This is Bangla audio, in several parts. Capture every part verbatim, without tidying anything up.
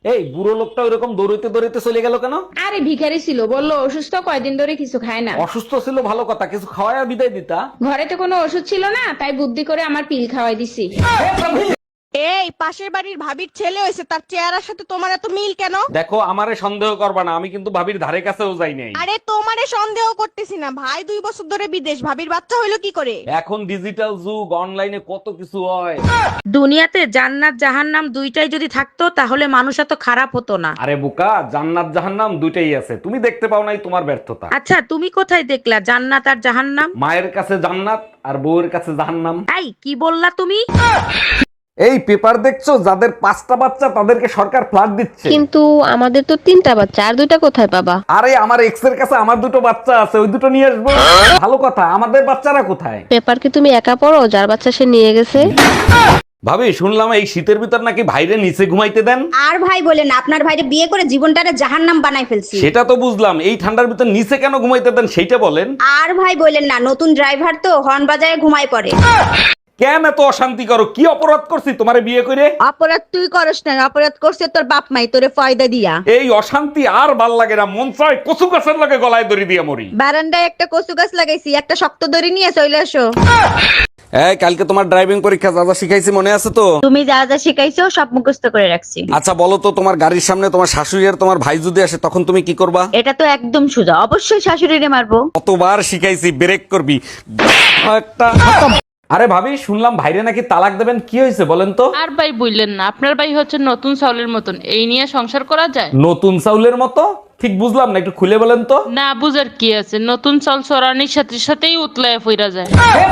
এই বুড়ো লোকটা ওইরকম দৌড়িতে দৌড়িতে চলে গেল কেন? আরে ভিখারি ছিল, বললো অসুস্থ, কয়দিন ধরে কিছু খায় না। অসুস্থ ছিল ভালো কথা, কিছু খাওয়ায় বিদায় দিতা। ঘরে তো কোনো ওষুধ ছিল না, তাই বুদ্ধি করে আমার পিল খাওয়াই দিছি। এই পাশের বাড়ির ভাবির ছেলে হয়েছে, তার চেহারার সাথে তোমার এত মিল কেন? দেখো, আমারে সন্দেহ করবা না, আমি কিন্তু ভাবির ধারে কাছেও যাই নাই। আরে তোমারে সন্দেহ করতেছি না, ভাই দুই বছর ধরে বিদেশ, ভাবির বাচ্চা হইলো কি করে? এখন ডিজিটাল যুগ, অনলাইনে কত কিছু হয়। দুনিয়াতে জান্নাত জাহান্নাম দুইটাই যদি থাকতো তাহলে মানুষ এত খারাপ হতো না। আরে বোকা, জান্নাত জাহান্নাম দুইটাই আছে, তুমি দেখতে পাও নাই, তোমার ব্যর্থতা। আচ্ছা, তুমি কোথায় দেখলা জান্নাত আর জাহান্নাম? মায়ের কাছে জান্নাত আর বউয়ের কাছে জাহান্নাম। এই কি বললা তুমি? এই পেপার দেখছো, যাদের পাঁচটা বাচ্চা তাদেরকে সরকার ফ্ল্যাট দিচ্ছে। কিন্তু আমাদের তো তিনটা বাচ্চা, আর দুইটা কোথায় পাবা? আরে আমার এক্স এর কাছে আমার দুটো বাচ্চা আছে, ওই দুটো নিয়ে আসবো। ভালো কথা, আমাদের বাচ্চারা কোথায়? পেপার কি তুমি একা পড়ো? যার বাচ্চা সে নিয়ে গেছে। ভাবি, শুনলাম এই শীতের ভিতর নাকি ভাইরে নিচে ঘুমাইতে দেন। আর ভাই বলেন, আপনার ভাইরে বিয়ে করে জীবনটারে জাহান্নাম বানাই ফেলছি। সেটা তো বুঝলাম, এই ঠান্ডার ভিতর নিচে কেন ঘুমাইতে দেন সেইটা বলেন। আর ভাই বলেন না, নতুন ড্রাইভার তো হর্ন বাজায় ঘুমায় পড়ে। কেন এত অশান্তি করো? কি অপরাধ করছি তোমারে বিয়ে করে? অপরাধ তুই করস না, অপরাধ করছে তোর বাপ মাই তোরে ফয়দা দিয়া। এই অশান্তি আর ভাল লাগে না, মন চায় কচু গাছের লাগে গলায় দড়ি দিয়ে মরি। বারান্দায় একটা কচু গাছ লাগাইছি, একটা শক্ত দড়ি নিয়ে চলে আসো। এই কালকে তোমার ড্রাইভিং পরীক্ষা, যা যা শিখাইছি মনে আছে তো? তুমি যা যা শিখাইছো সব মুখস্থ করে রাখছি। আচ্ছা বলো তো, তোমার গাড়ির সামনে তোমার শাশুড়ি আর তোমার ভাই যদি আসে তখন তুমি কি করবা? এটা তো একদম সোজা, অবশ্যই শাশুড়িরে মারবো। কতবার শিখাইছি, ব্রেক করবি একটা। আরে ভাবি, শুনলাম ভাইরে নাকি তালাক দেবেন, কি হয়েছে বলেন তো? আর ভাই বললেন না, আপনার ভাই হচ্ছে নতুন চাউলের মতন, এই নিয়ে সংসার করা যায়? নতুন চাউলের মতো? ঠিক বুঝলাম না, একটু খুলে বলেন তো। না বুঝার কি আছে, নতুন চাউল চড়ানির সাথে সাথেই উতলায় ফিরা যায়।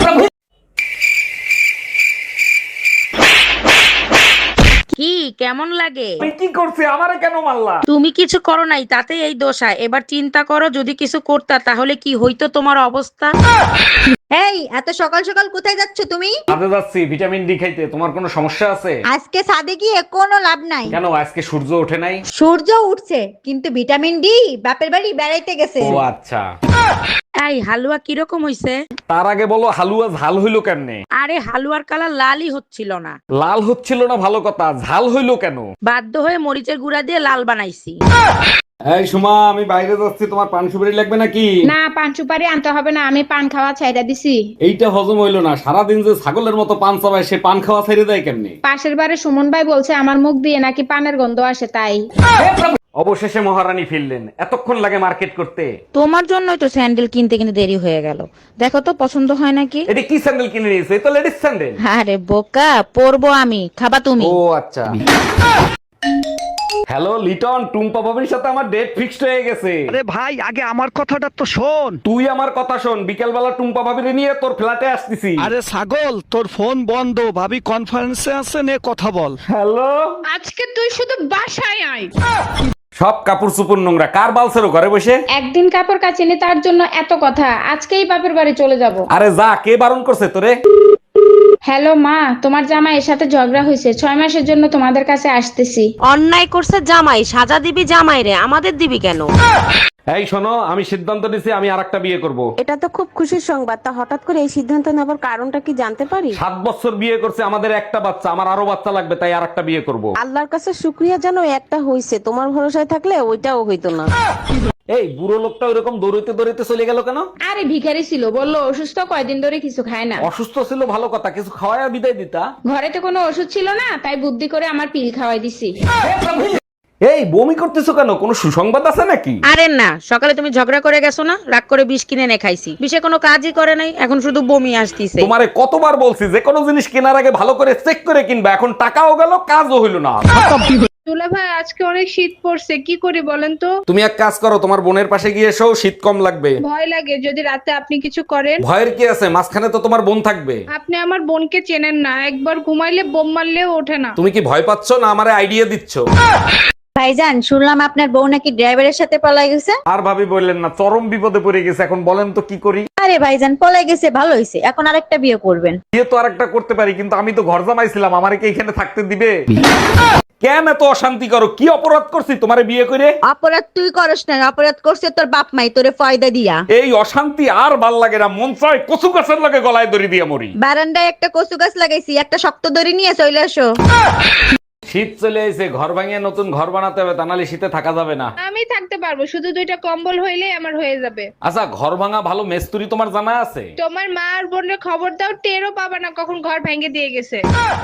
কি কেমন লাগে? আমি কি করছি, আমারে কেন মারলা? তুমি কিছু করো নাই, তাতে এই দোষা। এবার চিন্তা করো, যদি কিছু করতা তাহলে কি হইতো তোমার অবস্থা। এই এত সকাল সকাল কোথায় যাচ্ছ তুমি? কাজে যাচ্ছি ভিটামিন ডি খাইতে। তোমার কোনো সমস্যা আছে? আজকে ছাদে গিয়ে কোনো লাভ নাই। কেন, আজকে সূর্য ওঠে নাই? সূর্য উঠছে, কিন্তু ভিটামিন ডি বাপের বাড়ি বেড়াইতে গেছে। ও আচ্ছা। এই হালুয়া কিরকম হইছে? তার আগে বলো, হালুয়া ঝাল হইলো কেমনে? আরে হালুয়ার কালার লালই হচ্ছিল না। লাল হচ্ছিল না ভালো কথা, ঝাল হইলো কেন? বাধ্য হয়ে মরিচের গুঁড়া দিয়ে লাল বানাইছি। এই সুমা, আমি বাইরে যাচ্ছি, তোমার পান সুপারি লাগবে নাকি? না, পান সুপারি আনতে হবে না, আমি পান খাওয়া ছাইড়া দিছি। এইটা হজম হইলো না, সারাদিন যে ছাগলের মতো পান চাবায়, সে পান খাওয়া ছেড়ে দেয় কেমনে? পাশের বাড়ি সুমন ভাই বলছে আমার মুখ দিয়ে নাকি পানের গন্ধ আসে, তাই। অবশেষে মহারানী ফিরলেন, এতক্ষণ লাগে মার্কেট করতে? তোমার জন্যই তো স্যান্ডেল কিনতে কিনতে দেরি হয়ে গেল। দেখো তো পছন্দ হয় নাকি। এটা কি স্যান্ডেল কিনে নিয়েছে? এটা লেডিস স্যান্ডেল। আরে বোকা, পরবো আমি, খাবা তুমি। ও আচ্ছা। হ্যালো লিটন, টুম্পা ভাবির সাথে আমার ডেট ফিক্সড হয়ে গেছে। আরে ভাই, আগে আমার কথাটা তো শোন। তুই আমার কথা শোন, বিকেল বেলা টুম্পা ভাবির নিয়ে তোর ফ্ল্যাটে আসতেছি। আরে ছাগল, তোর ফোন বন্ধ, ভাবি কনফারেন্সে আছে, নে কথা বল। হ্যালো, আজকে তুই শুধু বাসায় আয়। সব কাপড় চুপুর নোংরা, কার বালছেরো ঘরে বসে? একদিন কাপড় কাচিনি তার জন্য এত কথা, আজকেই বাপের বাড়ি চলে যাব। আরে যা, কে বারণ করছে তোরে? হ্যালো মা, তোমার জামাই এর সাথে ঝগড়া হয়েছে, ছয় মাসের জন্য তোমাদের কাছে আসতেছি। অন্যায় করছে জামাই, সাজা দিবি জামাই রে, আমাদের দিবি কেন? এই শোনো, আমি সিদ্ধান্ত নিছি, আমি আরেকটা বিয়ে করব। এটা তো খুব খুশির সংবাদ। তা হঠাৎ করে এই সিদ্ধান্ত নেবার কারণটা কি জানতে পারি? সাত বছর বিয়ে করছে, আমাদের একটা বাচ্চা, আমার আরো বাচ্চা লাগবে, তাই আরেকটা বিয়ে করব। আল্লাহর কাছে শুক্রিয়া জানো, একটা হইছে। তোমার ভরসায় থাকলে ওইটাও হইতো না। এই বুড়ো লোকটা ওইরকম দৌড়িতে দৌড়িতে চলে গেল কেন? আরে ভিখারি ছিল, বললো অসুস্থ, কয়দিন ধরে কিছু খায় না। অসুস্থ ছিল ভালো কথা, কিছু খাওয়ায় বিদায় দিতা। ঘরে তো কোনো ওষুধ ছিল না, তাই বুদ্ধি করে আমার পিল খাওয়াই দিছি। এই বমি করতেছো কেন, কোনো সুসংবাদ আছে নাকি? আরে না, সকালে তুমি ঝগড়া করে গেছো না, রাগ করে বিষ কিনে এনে খাইছি, বিষে কোনো কাজই করে নাই, এখন শুধু বমি আসতিছে। তোমারে কতবার বলছি যে কোনো জিনিস কেনার আগে ভালো করে চেক করে কিনবা, এখন টাকাও গেল, কাজও হইল না। দুলা ভাই, আজকে অনেক শীত পড়ছে, কি করি বলেন তো? তুমি এক কাজ করো, তোমার বোনের পাশে গিয়ে এসো, শীত কম লাগবে। ভয় লাগে যদি রাতে আপনি কিছু করেন। ভয়ের কি আছে, মাঝখানে তো তোমার বোন থাকবে। আপনি আমার বোনকে চেনেন না, একবার ঘুমাইলে বোম মারলেও ওঠে না। তুমি কি ভয় পাচ্ছ না আমারে আইডিয়া দিচ্ছ? ভাইজান, শুনলাম আপনার বউ নাকি ড্রাইভারের সাথে পলাই গেছে। আর ভাবি বললেন না, চরম বিপদে পড়ে গেছে, এখন বলেন তো কি করি? আরে ভাইজান, পলাই গেছে ভালো হয়েছে, এখন আরেকটা বিয়ে করবেন। বিয়ে তো আরেকটা করতে পারি, কিন্তু আমি তো ঘর জামাইছিলাম, আমারে কি এখানে থাকতে দিবে? কেন এত অশান্তি করো? কি অপরাধ করছি তোমারে বিয়ে করে? অপরাধ তুই করস না, অপরাধ করছে তোর বাপ মাই তোরে ফয়দা দিয়া। এই অশান্তি আর ভাল লাগে না, মন চায় কচু গাছের লাগে গলায় দড়ি দিয়ে মরি। বারান্দায় একটা কচু গাছ লাগাইছি, একটা শক্ত দড়ি নিয়ে চলে আসো। শীত চলে এসে ঘর ভাঙিয়ে নতুন ঘর বানাতে হবে, তা নাহলে শীতে থাকা যাবে না। আমি থাকতে পারবো, শুধু দুইটা কম্বল হইলেই আমার হয়ে যাবে। আচ্ছা, ঘর ভাঙা ভালো মিস্ত্রি তোমার জানা আছে? তোমার মা আর বোনের খবর দাও, টেরও পাবা না কখন ঘর ভেঙে দিয়ে গেছে।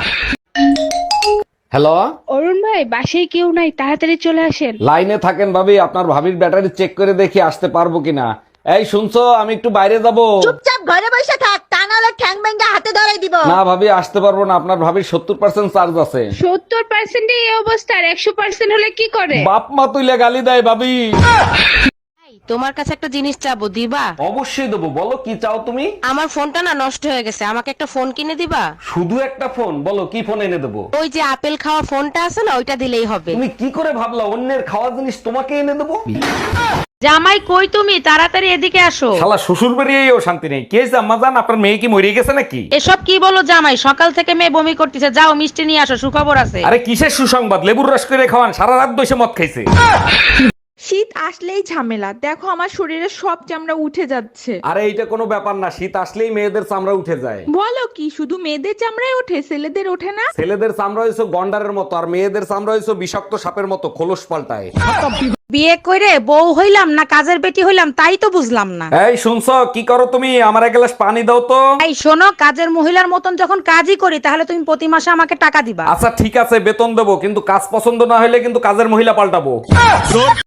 হ্যালো, অরুণ ভাই, বাসায় কেউ নাই, তাড়াতাড়ি চলে আসেন। লাইনে থাকেন ভাবি, আপনার ভাবির ব্যাটারি চেক করে দেখি আসতে পারবো কিনা। এই শুনছো, আমি একটু বাইরে যাব। চুপচাপ ঘরে বসে থাক, তা নাহলে ঠ্যাং ভেঙে হাতে ধরাই দিব। না ভাবি, আসতে পারবো না, আপনার ভাবির সত্তর পার্সেন্ট চার্জ আছে। সত্তর পার্সেন্ট এই অবস্থা, আর একশো পার্সেন্ট হলে কি করে? বাপ মা তুইলে গালি দেয় ভাবি। তোমার কাছে একটা জিনিস চাবো, দিবা? অবশ্যই দেবো, বলো কি চাও তুমি? আমার ফোনটা না নষ্ট হয়ে গেছে, আমাকে একটা ফোন কিনে দিবা? শুধু একটা ফোন? বলো কি ফোন এনে দেবো। ওই যে আপেল খাওয়া ফোনটা আছে না, ওইটা দিলেই হবে। তুমি কি করে ভাবলা অন্যের খাওয়া জিনিস তোমাকে এনে দেবো? জামাই কই তুমি, তাড়াতাড়ি এদিকে আসো। শালা শ্বশুর বাড়িয়েও শান্তি নেই। কে আম্মা জান, আপনার মেয়ে কি মরে গেছে নাকি? এসব কি বলো জামাই, সকাল থেকে মেয়ে বমি করতেছে, যাও মিষ্টি নিয়ে আসো, সুখবর আছে। আরে কিসের সুসংবাদ, লেবুর রস করে খাওয়ান, সারা রাত বসে মদ খাইছে। শীত আসলেই ঝামেলা, দেখো আমার শরীরে সব চামড়া উঠে যাচ্ছে। আরে এইটা কোনো ব্যাপার না, শীত আসলেই মেয়েদের চামড়া উঠে যায়। বলো কি, শুধু মেয়েদের চামড়ায় ওঠে, ছেলেদের ওঠে না? ছেলেদের চামড়া হয়েছে গন্ডারের মতো, আর মেয়েদের চামড়া হয়েছে বিষাক্ত সাপের মতো, খোলস পাল্টায়। বিয়ে কইরে বউ হইলাম না কাজের বেটি হইলাম, তাই তো বুঝলাম না। এই শুনছো, কি করো তুমি? আমার এক গ্লাস পানি দাও তো। এই শোনো, কাজের মহিলার মতন যখন কাজই করি, তাহলে তুমি প্রতি মাসে আমাকে টাকা দিবা। আচ্ছা ঠিক আছে, বেতন দেবো, কিন্তু কাজ পছন্দ না হলে কিন্তু কাজের মহিলা পাল্টাবো।